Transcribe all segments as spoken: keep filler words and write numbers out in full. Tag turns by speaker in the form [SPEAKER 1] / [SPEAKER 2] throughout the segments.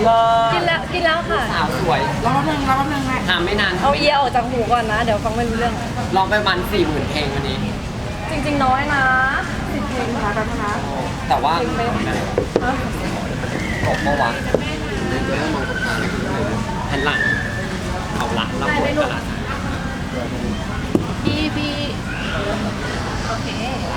[SPEAKER 1] เลิศ
[SPEAKER 2] กินแล้วกินแล้วค่ะ
[SPEAKER 1] สาวสวย
[SPEAKER 3] รอแป๊บนึงรอแป๊บนึงแม่
[SPEAKER 1] ถามไม่นาน
[SPEAKER 2] เอาเอียออกจากหูก่อนนะ เดี๋ยวฟังไม่รู้เรื่อง
[SPEAKER 1] ลองไปมันสี่หมื่นเพลงวันนี้
[SPEAKER 2] จริง ๆ น้อยนะ
[SPEAKER 3] สิบเพลงนะคะแป๊บนึงนะ
[SPEAKER 1] แต่ว่า
[SPEAKER 2] เพลงเป๊ะ ฮะ
[SPEAKER 1] ตกเมื่อวานหันหลังเอาหลังรับบทตลาด
[SPEAKER 2] พี่พี่โอเค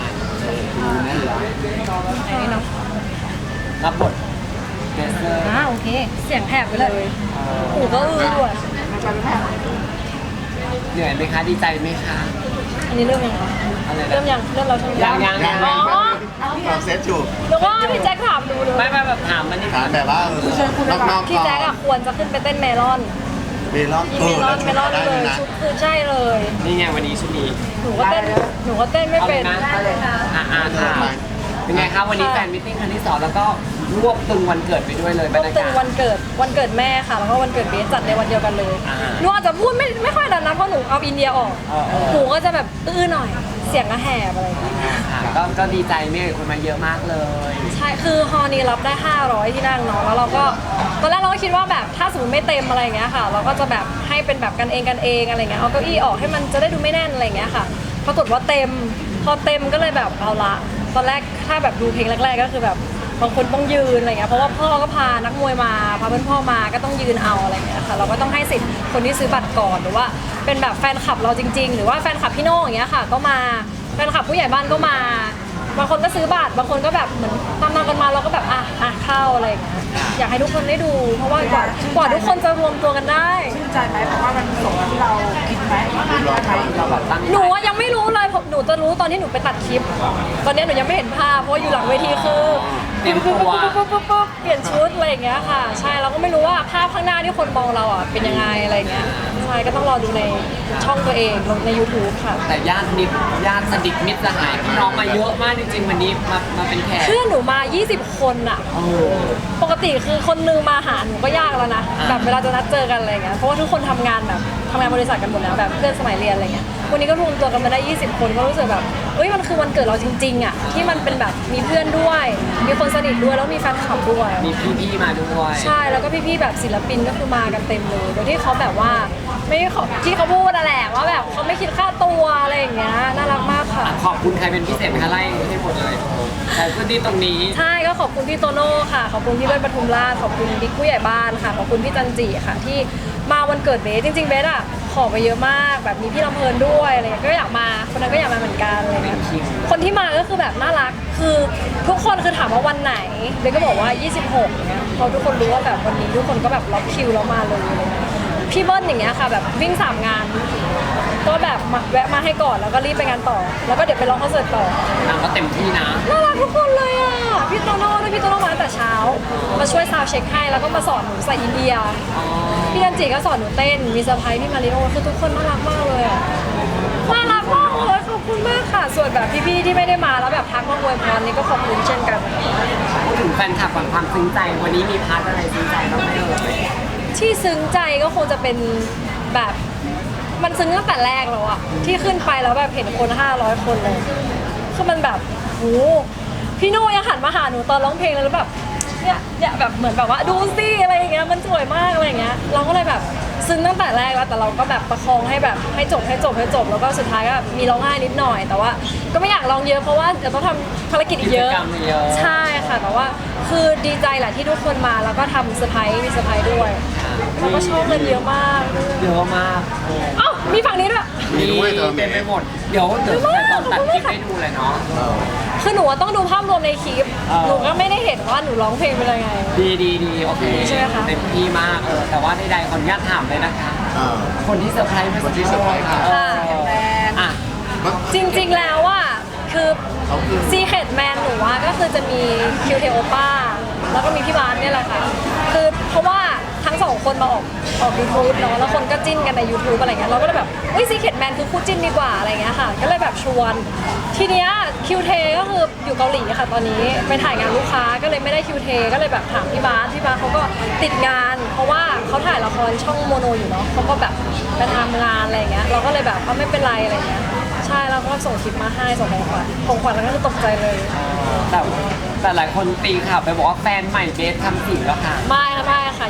[SPEAKER 2] อันนี้เนาะ
[SPEAKER 1] รับบทเบสเซอร์
[SPEAKER 2] อ่าโอเค เสียงแหบไปเลยหูก็อื้อด้วย
[SPEAKER 3] แป๊บนึงแม่
[SPEAKER 1] เหนื่อยไหมคะดีใจไหมคะ
[SPEAKER 2] อันนี้เริ่มยัง
[SPEAKER 1] อะไร
[SPEAKER 2] เริ่ม
[SPEAKER 1] นะ
[SPEAKER 2] ยังเริ่มเราใช่ไหม
[SPEAKER 1] ยังยัง
[SPEAKER 4] ยัง
[SPEAKER 2] อ๋อ
[SPEAKER 4] เราเซตอยู่
[SPEAKER 2] หรือว่าพี่แจ็คถามดูเลย
[SPEAKER 1] ไม่ไม่แบบถามมันนี่
[SPEAKER 4] ถามแบบว่าเออนอกๆ
[SPEAKER 2] พี่แจ็คอะควรจะขึ้นไปเต้นเมลอน
[SPEAKER 4] เมลอน
[SPEAKER 2] เมลอนเมลอน
[SPEAKER 4] ได้
[SPEAKER 2] เล
[SPEAKER 4] ด้วย
[SPEAKER 2] ย
[SPEAKER 4] นะ
[SPEAKER 2] ชุดคือใช่เลย
[SPEAKER 1] นี่ไงวันนี้ชุดนี้
[SPEAKER 2] หนูก็เต้นหนูก็เต้นไม่เป็น
[SPEAKER 1] เอาเลยนะ อ่าอ่าค่ะเป็นไงคะวันนี้แฟนมิทติ้งครั้งที่สองแล้วก็รวบตึงวันเกิดไปด้วยเลยบรรยา
[SPEAKER 2] ตึ
[SPEAKER 1] กาง ศ
[SPEAKER 2] วันเกิดวันเกิดแม่ค่ะ แล้วก็วันเกิดเบสจัดในวันเดียวกันเลย
[SPEAKER 1] อ่า
[SPEAKER 2] หนูอาจจะพูดไม่ไม่ค่อยดังนะเพราะหนูเอาอินเดียออก
[SPEAKER 1] เออเออ
[SPEAKER 2] หนูก็จะแบบอื้อหน่อยเสียงก็แหบอะไรอย่างเงี้ย
[SPEAKER 1] ค่ะก็ก็ดีใจเนี่ยคนมาเยอะมากเลย
[SPEAKER 2] ใช่คือฮอลนี้รับได้ห้าร้อยที่นั่งเนาะแล้วเราก็ตอนแรกเราก็คิดว่าแบบถ้าสมมติไม่เต็มอะไรอย่างเงี้ยค่ะ เราก็จะแบบให้เป็นแบบกันเองกันเองอะไรเงี้ยเอาเก้าอี้ออกให้มันจะได้ดูไม่แน่นอะไรอย่างเงี้ยค่ะปรากฏว่าเต็มพอเต็มก็เลยแบบเอาละตอนแรกถ้าแบบดูเพลงแรกๆก็คือแบบบางคนต้องยืนอะไรเงี้ยเพราะว่าพ่อก็พานักมวยมาพาเพื่อนพ่อมาก็ต้องยืนเอาอะไรเงี้ยค่ะเราก็ต้องให้สิทธิ์คนที่ซื้อบัตรก่อนหรือว่าเป็นแบบแฟนคลับเราจริง ๆ หรือว่าแฟนคลับพี่โน่อย่างเงี้ยค่ะก็มาแฟนคลับผู้ใหญ่บ้านก็มาบางคนก็ซื้อบัตรบางคนก็แบบเหมือนตามมากันมาเราก็แบบอ่ะอ่ะเข้าอะไรอย่างเงี้ยอยากให้ทุกคนได้ดู เพราะว่ากว่ากว่าทุกคนจะรวมตัวกันได้
[SPEAKER 3] ชื่นใจไหมเพราะว่ามันสมกับที่เราคิดไหมคิดไหม
[SPEAKER 1] เราแบบตั้งใจ
[SPEAKER 2] หนูอะยังไม่รู้เลยผมหนูจะรู้ตอนที่หนูไปตัดคลิป ตอนนี้หนูยังไม่เห็นภาพเพราะว่าอยู่หลังเวทีคือ
[SPEAKER 1] เตรียมตัว
[SPEAKER 2] ปุ๊บปุ๊บปุ๊บปุ๊บเปลี่ยนชุดอะไรอย่างเงี้ยค่ะ ใช่เราก็ไม่รู้ว่าภาพข้างหน้าที่คนมองเราอ่ะเป็นยังไงอะไรเงี้ยใช่ก็ต้องรอดูในช่องตัวเองลงใน ยูทูบ ค่ะ
[SPEAKER 1] แต่ญาตินิดญาติสนิทมิตรสหายพี่น้องมาเยอะมากจริงๆวันนี้มามาเป็นแขก
[SPEAKER 2] เพื่อนหนูมา ยี่สิบ คนอ่ะ
[SPEAKER 1] เออ
[SPEAKER 2] ปกติคือคนนึงมาหาหนูก็ยากแล้วนะ
[SPEAKER 1] อ่า
[SPEAKER 2] แบบเวลาจะนัดเจอกันอะไรเงี้ยเพราะว่าทุกคนทำงานแบบทำงานบริษัทกันหมดแล้วแบบเพื่อนสมัยเรียนอะไรเงี้ยวันนี้ก็รวมตัวกันมาได้ ยี่สิบ คนก็รู้สึกแบบเอ้ยมันคือวันเกิดเราจริงๆอ่ะที่มันเป็นแบบมีเพื่อนด้วย มีคนสนิทด้วยแล้วมีแฟนคลับด้วย
[SPEAKER 1] มีพี่ๆมาด้วย
[SPEAKER 2] ใช่แล้วก็พี่ๆแบบศิลปินก็คือมากันเต็มเลยโดยที่เขาแบบว่าไม่ขอที่เขาพูดอะแหละว่าแบบเขาไม่คิดค่าตัวอะไรอย่างเงี้ยน่ารักมากค่ะ
[SPEAKER 1] ขอบคุณใครเป็นพิเศษไหมคะไล่ให้หมดเลยใครพื้นที่ตรงนี้
[SPEAKER 2] ใช่ก็ขอบคุณพี่โตโน่ค่ะ ขอบคุณพี่เบิ้ลปทุมราชขอบคุณบิ๊กผู้ใหญ่บ้านค่ะขอบคุณพี่จันจีค่ะ ที่มาวันเกิดเบสจริงๆเบสอ่ะขอไปเยอะมากแบบมีพี่ลำเพลินด้วยอะไรเงี้ยก็อยากมาคนนั้นก็อยากมาเหมือนกันอะไรเงี้ยคนที่มาก็คือแบบน่ารักคือทุกคนคือถามว่าวันไหนเบสก็บอกว่า ยี่สิบหกเงี้ยพอทุกคนรู้ว่าแบบวันนี้ทุกคนก็แบบล็อกคิวแล้วมาเลยอะไรเงี้ยพี่เบิ้ลอย่างเงี้ยค่ะแบบวิ่งสามงานก็แบบมาแวะมาให้ก่อนแล้วก็รีบไปงานต่อ แล้วก็เดี๋ยวไปร้องคอนเสิร์ตต่อ
[SPEAKER 1] นางก็เต็มที่นะ
[SPEAKER 2] น่ารักทุกคนเลยอ่ะ พี่โตโน่ด้วยพี่โตโน่มาตั้งแต่เช้า มาช่วยซาวด์เช็คให้แล้วก็มาสอนหนูใส่อินเดีย พี่จันจิก็สอนหนูเต้น มีเซอร์ไพรส์พี่มาริโอคือทุกคนน่ารักมากเลยอ่ะ น่ารักมากเลยขอบคุณมากค่ะ ส่วนแบบพี่ๆที่ไม่ได้มาแล้วแบบทักมาอวยพรนี่ก็ขอบคุณเช่นกัน
[SPEAKER 1] พูดถึงแฟนคลับก่อนความซึ้งใจวันนี้มีพาร์ทอะไรซึ้งใจบ้างไหมเอ่ย
[SPEAKER 2] ที่ซึ้งใจก็คงจะเป็นแบบมันซึ้งตั้งแต่แรกแล้วอะที่ขึ้นไปแล้วแบบเห็นคนห้าร้อยคนเลยคือมันแบบโหพี่โน่ยังหันมาหาหนูตอนร้องเพลงเลยแล้วแบบเนี่ยเนี่ยแบบเหมือนแบบว่าดูสิอะไรอย่างเงี้ยมันสวยมากอะไรอย่างเงี้ยเราก็เลยแบบซึ้งตั้งแต่แรกแล้วแต่เราก็แบบประคองให้แบบให้จบให้จบให้จบแล้วก็สุดท้ายก็มีร้องไห้นิดหน่อย แต่ว่าก็ไม่อยากร้องเยอะเพราะว่าเดี๋ยวต้องทำภารกิจอีกเยอะ
[SPEAKER 1] กิจกรรมเยอะ
[SPEAKER 2] ใช่ค่ะแต่ว่าคือดีใจแหละที่ทุกคนมาแล้วก็ทำเซอร์ไพรส์มีเซอร์ไพรส์ด้วยแล้วก็ชอบกันเยอะมากด้วย
[SPEAKER 1] เยอะมาก
[SPEAKER 2] เอ้ามีฝั่งนี้ด้วย
[SPEAKER 4] มีด้วยเธอ
[SPEAKER 1] เต็มไปหมด เดี๋ยวเดี๋ยวแต่ตอนตัดคลิปให้ดูเลยเนาะ
[SPEAKER 2] คือหนูต้องดูภาพรวมในคลิป
[SPEAKER 1] เออ
[SPEAKER 2] หนูก็ไม่ได้เห็นว่าหนูร้องเพลงเป็นยังไง
[SPEAKER 1] ดีดีดีโอเค
[SPEAKER 2] ใช่ไหมคะ
[SPEAKER 1] เต็มที่มากเออแต่ว่าใดๆขออนุญาตถามเลยนะคะ
[SPEAKER 4] เออ
[SPEAKER 1] คนที่เซอร์ไพรส์เมื่อสักครู่
[SPEAKER 4] คนที่เซอร์ไพรส์ครับ
[SPEAKER 1] เอออ่ะ
[SPEAKER 2] จริงๆแล้วอ่ะคือ
[SPEAKER 4] เขาคือ
[SPEAKER 2] ซีเคดแมนหนูว่าก็คือจะมีคิวเทโอป้าแล้วก็มีพี่บาสเนี่ยแหละค่ะ คือเพราะว่าทั้งสองคนมาออกออกยูทูบเนาะแล้วคนก็จิ้นกันใน ยูทูบ อะไรเงี้ยเราก็เลยแบบเฮ้ยซีเคดแมนคือคู่จิ้นดีกว่าอะไรเงี้ยค่ะ ก็เลยแบบชวน ทีเนี้ยคิวเทก็คืออยู่เกาหลีค่ะตอนนี้ไปถ่ายงานลูกค้าก็เลยไม่ได้คิวเทก็เลยแบบถามพี่บาสพี่บาสเขาก็ติดงาน เพราะว่าเขาถ่ายละครช่องโมโนอยู่เนาะเขาก็แบบไปทำงานอะไรเงี้ยเราก็เลยแบบเอาไม่เป็นไรอะไรเงี้ยใช่แล้วก็ส่งคลิปมาให้ส่งของขวัญของขวัญแล้วก็คือตกใจเลย
[SPEAKER 1] แต่แต่หลายคนตีข่าวไปบอกว่าแฟนใหม่เบสทำสีแล้วค่ะ
[SPEAKER 2] ไม่ค่ะไม่ค่ะ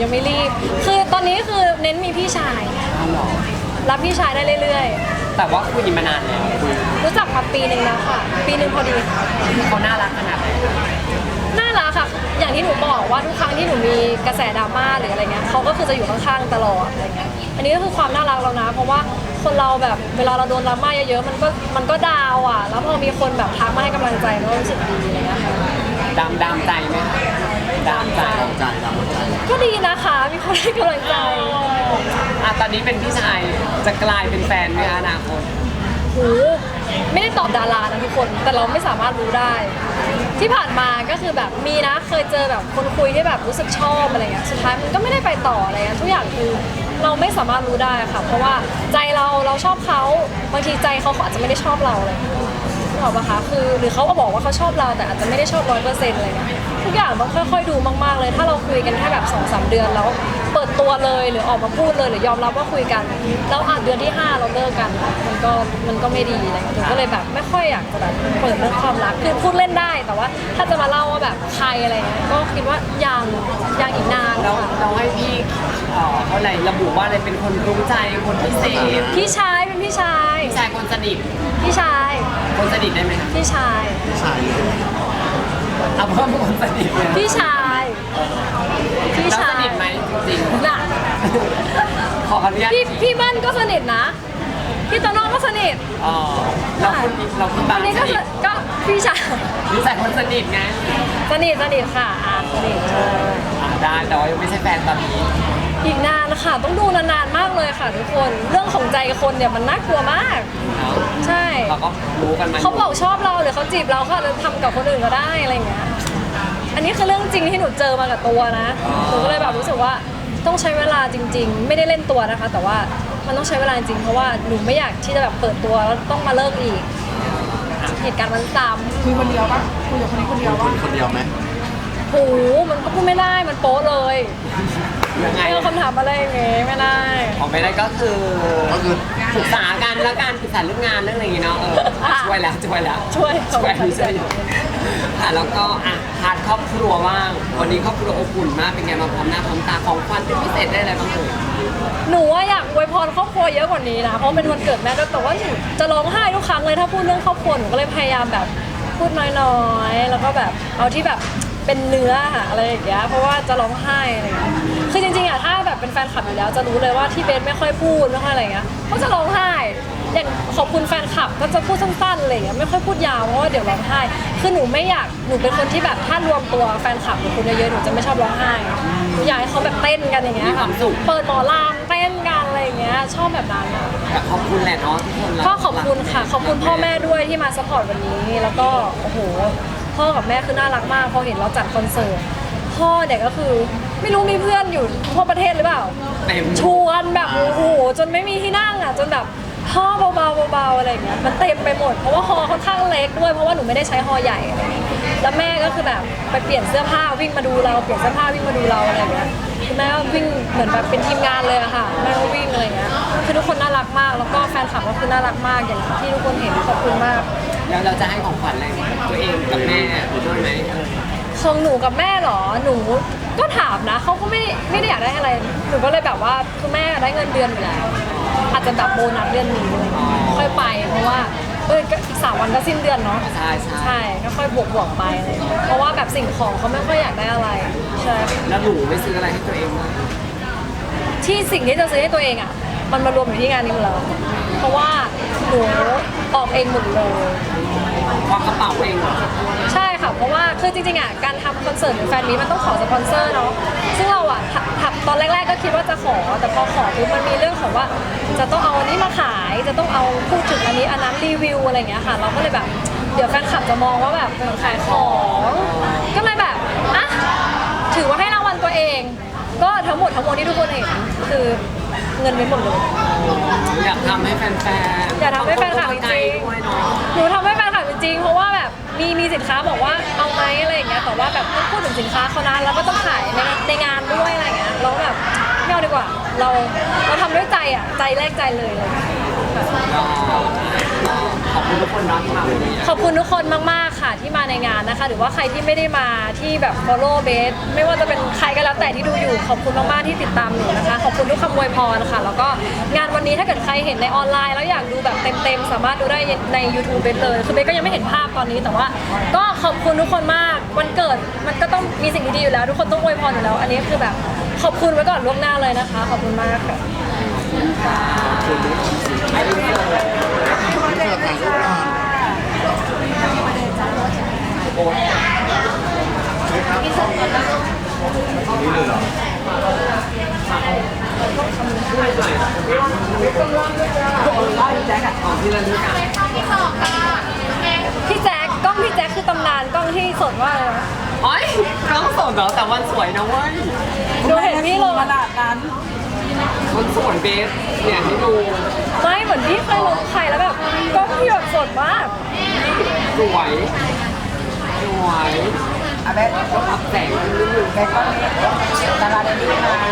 [SPEAKER 2] ยังไม่รีบ คือตอนนี้คือเน้นมีพี่ชาย
[SPEAKER 1] อ้าวเหรอ
[SPEAKER 2] รับพี่ชายได้เรื่อย
[SPEAKER 1] แต่ว่าคุยมานานแล้วคุย
[SPEAKER 2] ๆ รู้จักมาปีหนึ่งแล้วค่ะ ปีหนึ่งพอดีค่ะ
[SPEAKER 1] เขาน่ารักขนาดไหนคะ
[SPEAKER 2] น่ารักค่ะ อย่างที่หนูบอกว่าทุกครั้งที่หนูมีกระแสดราม่าหรืออะไรเงี้ยเขาก็คือจะอยู่ข้างๆตลอดอะไรเงี้ย อันนี้ก็คือความน่ารักเรานะ เพราะว่าคนเราแบบเวลาเราโดนดราม่าเยอะๆ มันก็มันก็ดาวอ่ะ แล้วพอมีคนแบบทักมาให้กำลังใจมันก็รู้สึกดีอะไรเงี้ยค่ะ
[SPEAKER 1] ดามดามใจไหมคะดามใจ
[SPEAKER 4] ตามใจตามใจ
[SPEAKER 2] ก็ดีนะคะ มีคนให้กำลังใจ
[SPEAKER 1] อ่ะตอนนี้เป็นพี่ชายจะกลายเป็นแฟนไหมคะอนาคต
[SPEAKER 2] โหไม่ได้ตอบดารานะทุกคน แต่เราไม่สามารถรู้ได้ ที่ผ่านมาก็คือแบบมีนะ เคยเจอแบบคนคุยที่แบบรู้สึกชอบอะไรเงี้ย สุดท้ายมันก็ไม่ได้ไปต่ออะไรเงี้ย ทุกอย่างคือเราไม่สามารถรู้ได้ค่ะ เพราะว่าใจเราเราชอบเขาบางทีใจเขาเขาอาจจะไม่ได้ชอบเราอะไรเงี้ยนึกออกปะคะ คือหรือเขาก็บอกว่าเขาชอบเราแต่อาจจะไม่ได้ชอบร้อยเปอร์เซ็นต์อะไรเงี้ย ทุกอย่างต้องค่อยๆดูมากๆเลย ถ้าเราคุยกันแค่แบบสองสามเดือนแล้วเปิดตัวเลยหรือออกมาพูดเลยหรือยอมรับว่าคุยกัน แล้วอ่ะเดือนที่ห้าเราเลิกกัน มันก็มันก็ไม่ดีอะไรเงี้ยหนูก็เลยแบบไม่ค่อยอยากจะแบบเปิดเรื่องความรักคือพูดเล่นได้แต่ว่าถ้าจะมาเล่าว่าแบบใครอะไรเงี้ยก็คิดว่ายังยังอีกนาน
[SPEAKER 1] เรา
[SPEAKER 2] ค่ะ
[SPEAKER 1] เราให้พี่เอ่อเขาอะไรระบุว่าอะไรเป็นคนรู้ใจคนพิเศษ
[SPEAKER 2] พี่ชายเป็นพี่ชาย
[SPEAKER 1] พี่ชายคนสนิท
[SPEAKER 2] พี่ชาย
[SPEAKER 1] คนสนิทได้ไหมคะ
[SPEAKER 2] พี่ชาย
[SPEAKER 4] พี่ชายเลย
[SPEAKER 1] เอาเพิ่มคนสนิทเลย
[SPEAKER 2] พี่ชายพี่
[SPEAKER 1] แล้ว
[SPEAKER 2] ชา
[SPEAKER 1] ส
[SPEAKER 2] ย
[SPEAKER 1] นิทไหมจริง
[SPEAKER 2] น่ะ
[SPEAKER 1] ๆขออนุญาต
[SPEAKER 2] พี่พี่เบิ้ลก็สนิทนะ พี่โตโน่ก็สนิท
[SPEAKER 1] อ๋อเราคนเราคน
[SPEAKER 2] อั
[SPEAKER 1] บาง
[SPEAKER 2] นนี้
[SPEAKER 1] ส
[SPEAKER 2] ก็
[SPEAKER 1] นิท
[SPEAKER 2] ก็พี่ชาย
[SPEAKER 1] พี่ชายคนสนิทไง
[SPEAKER 2] สนิทสนิทค่ะอ่ะสนิทใช่
[SPEAKER 1] อ่าได้แต่ว่ายังไม่ใช่แฟนตอนนี้
[SPEAKER 2] อีกนานนะคะต้องดูนานๆมากเลยค่ะทุกคน เรื่องของใจคนเนี่ยมันน่ากลัวมาก
[SPEAKER 1] เนาะ
[SPEAKER 2] ใช่
[SPEAKER 1] เราก็รู้กันมา
[SPEAKER 2] เขาบอกชอบเราหรือเขาจีบเราเขาอาจจะทำกับคนอื่นก็ได้อะไรอย่างเงี้ย อันนี้คือเรื่องจริงที่หนูเจอมากับตัวนะหนูก็เลยแบบรู้สึกว่าต้องใช้เวลาจริง ๆ ไม่ได้เล่นตัวนะคะ แต่ว่ามันต้องใช้เวลาจริงๆเพราะว่าหนูไม่อยากที่จะแบบเปิดตัวแล้วต้องมาเลิกอีกเหตุการณ์มันซ้ำ
[SPEAKER 3] คุยคนเดียวปะคุยกับคนนี้คนเดียว
[SPEAKER 4] ค
[SPEAKER 3] ปะ
[SPEAKER 4] นคนเดียวไหม
[SPEAKER 2] โหมันก็พูดไม่ได้มันโป๊ะเลย
[SPEAKER 1] ยังไง
[SPEAKER 2] ไม่เอาคำถามอะไรอย่างเงี้ยไม่ได้
[SPEAKER 1] ออกไม่ได้ก็คือ
[SPEAKER 4] ก็คือ
[SPEAKER 1] ปรึกษากันแล้วการปรึกษาเรื่องงานเรื่องอะไรอย่างงี้เนาะเออช่วยแล้วช่วยแล้ว
[SPEAKER 2] ช่วย
[SPEAKER 1] ช่วยช่วยอยู่ค่ะแล้วก็อ่ะพาร์ทครอบครัวว่างวันนี้ครอบครัวอบอุ่นมากเป็นไงมางพร้อมหน้าพร้อมตาของขวัญเป็นพิเศษได้อะไรบ้างเอ่ย
[SPEAKER 2] หนูว่าอยากอวยพรครอบครัวเยอะกว่านี้นะเพราะเป็นวันเกิดแม่ด้วยแต่ว่าหนูจะร้องไห้ทุกครั้งเลยถ้าพูดเรื่องครอบครัวหนูก็เลยพยายามแบบพูดน้อยๆ แล้วก็แบบเอาที่แบบเป็นเนื้อค่ะอะไรอย่างเงี้ยเพราะว่าจะร้องไห้อะไรอย่างเงี้ยคือจริงๆอะถ้าแบบเป็นแฟนคลับอยู่แล้วจะรู้เลยว่าที่เบนไม่ค่อยพูดไม่ค่อยอะไรเงี้ยก็จะร้องไห้ อย่างขอบคุณแฟนคลับก็จะพูดสั้นๆอะไรอย่างเงี้ยไม่ค่อยพูดยาวเพราะว่าเดี๋ยวร้องไห้คือหนูไม่อยากหนูเป็นคนที่แบบถ้ารวมตัวแฟนคลับหรือคนเยอะๆหนูจะไม่ชอบร้องไห้หนูอยากให้เขาแบบเต้นกันอย่างเงี้ย
[SPEAKER 1] มีความสุข
[SPEAKER 2] เปิดหมอลำเต้นกันอะไรอย่างเงี้ยชอบแบบนั้นอะ
[SPEAKER 1] แต่ขอบคุณแหละเนาะทุกคนรั
[SPEAKER 2] ก็ขอบคุณค่ะ ขอบคุณพ่อแม่ด้วยที่มาซัพพอร์ตวันนี้ แล้วก็โอ้โหพ่อกับแม่คือน่ารักมากพอเห็นเราจัดคอนเสิร์ตพ่อเนี่ยก็คือไม่รู้มีเพื่อนอยู่ทั่วประเทศหรือเปล่า
[SPEAKER 1] เต็ม
[SPEAKER 2] ชวนแบบโอ้โหจนไม่มีที่นั่งอ่ะจนแบบห่อเบาๆเบาๆอะไรอย่างเงี้ยมันเต็มไปหมดเพราะว่าฮอค่อนข้างเล็กด้วยเพราะว่าหนูไม่ได้ใช้ฮอใหญ่อะไรอย่างเงี้ยแล้วแม่ก็คือแบบไปเปลี่ยนเสื้อผ้าวิ่งมาดูเราเปลี่ยนเสื้อผ้าวิ่งมาดูเราอะไรอย่างเงี้ยคือแม่ก็วิ่งเหมือนแบบเป็นทีมงานเลยอะค่ะแม่ก็วิ่งอะไรอย่างเงี้ยคือทุกคนน่ารักมากแล้วก็แฟนคลับก็คือน่ารักมากอย่างที่ทุกคนเห็นขอบคุณมาก
[SPEAKER 1] แล้วเราจะให้ของขวัญอะไรตัวเองกับแม่ด้วยไหม
[SPEAKER 2] ของหนูกับแม่เหรอ หนูก็ถามนะเขาก็ไม่ไม่ได้อยากได้อะไร หนูก็เลยแบบว่าคือแม่ได้เงินเดือนอยู่แล้ว อาจจะแบบโบนัสเดือนนี้อะไรอย่างเงี้ยค่อยไปเพราะว่าเออก็อีกสามวันก็สิ้นเดือนเนาะ
[SPEAKER 1] ใช่ใช่
[SPEAKER 2] ใช่ก็ค่อยบวกบวกๆไปอะไรอย่างเงี้ยเพราะว่าแบบสิ่งของเขาไม่ค่อยอยากได้อะไรใช่
[SPEAKER 1] แล้วหนูไม่ซื้ออะไรให้ตัวเองบ้าง
[SPEAKER 2] ที่สิ่งที่จะซื้อให้ตัวเองอ่ะมันมารวมอยู่ที่งานนี้หมดแล้วเพราะว่าหนูออกเองหมดเลย
[SPEAKER 1] ควักกระเป๋าเองเหรอ
[SPEAKER 2] ใช่ค่ะ เพราะว่าคือจริงๆอ่ะการทำคอนเสิร์ตหรือแฟนมีตมันต้องขอสปอนเซอร์เนาะซึ่งเราอ่ะทำทำตอนแรกๆก็คิดว่าจะขอแต่พอขอปุ๊บมันมีเรื่องของว่า จะต้องเอาอันนี้มาขายจะต้องเอาพูดถึงอันนี้อันนั้นรีวิวอะไรอย่างเงี้ยค่ะ เราก็เลยแบบเดี๋ยวแฟนคลับจะมองว่าแบบเป็นขายของก็เลยแบบอ่ะถือว่าให้รางวัลตัวเอง ก็ทั้งหมดทั้งมวลที่ทุกคนเห็นคือเงินไม่หมดเลย
[SPEAKER 1] อยากทำให้แฟนๆ
[SPEAKER 2] อยากทำให้แฟนคลับจริงๆ
[SPEAKER 1] ใจด้วยเนาะ
[SPEAKER 2] หนูทำให้แฟนคลับจริงๆ เพราะว่าแบบมีมีสินค้าบอกว่าเอาไหมอะไรอย่างเงี้ย แต่ว่าแบบต้องพูดถึงสินค้าเขานะแล้วก็ต้องขายในในงานด้วยอะไรอย่างเงี้ยเราก็แบบไม่เอาดีกว่า เราเราทำด้วยใจอ่ะ ใจแรกใจเลยเลยค่ะ
[SPEAKER 1] ก็ขอบคุณทุกคนเนาะที่มาวันนี้
[SPEAKER 2] ขอบคุณทุกคนมากๆค่ะที่มาในงานนะคะ หรือว่าใครที่ไม่ได้มาที่แบบ follow เบสไม่ว่าจะเป็นใครก็แล้วแต่ที่ดูอยู่ขอบคุณมากๆที่ติดตามหนูนะคะขอบคุณทุกคำอวยพรค่ะแล้วก็งานวันนี้ถ้าเกิดใครเห็นในออนไลน์แล้วอยากดูแบบเต็มๆสามารถดูได้ใน YouTube เบสเลยคือเบสก็ยังไม่เห็นภาพตอนนี้แต่ว่า ก็ขอบคุณทุกคนมากวันเกิดมันก็ต้องมีสิ่งดีๆอยู่แล้วทุกคนต้องอวยพรอยู่แล้ว อันนี้คือแบบขอบคุณไว้ก่อนล่วงหน้าเลยนะคะขอบคุณมากค่ะ
[SPEAKER 1] ไอ้เรื่องเลย
[SPEAKER 4] เพื่อถ่ายรูปก่อน
[SPEAKER 1] โอ้ย
[SPEAKER 4] นี่เลยเหรอ
[SPEAKER 1] ช่วยหน่อยแจ็คอะของที่ระลึกอะ
[SPEAKER 2] พี่แจ๊คกล้องพี่แจ๊คคือตำนานกล้องที่สดว่ากเลยนะ
[SPEAKER 1] โอ้ยกล้องสดเหรอแต่วันสวยนะเว้ย
[SPEAKER 2] ดูเห็นพี่ลง
[SPEAKER 3] ขนาดนั้น
[SPEAKER 1] วันสวยเบสเนี่ยให้ดู
[SPEAKER 2] ไม่เหมือนพี่เคยลงใครแล้วแบบกล้องพี่แบบสดมาก
[SPEAKER 1] สวยสวย
[SPEAKER 3] อ่ะเบส
[SPEAKER 1] รับแสงนิดนึง
[SPEAKER 3] เบสก็มีดาราเดนนี่มา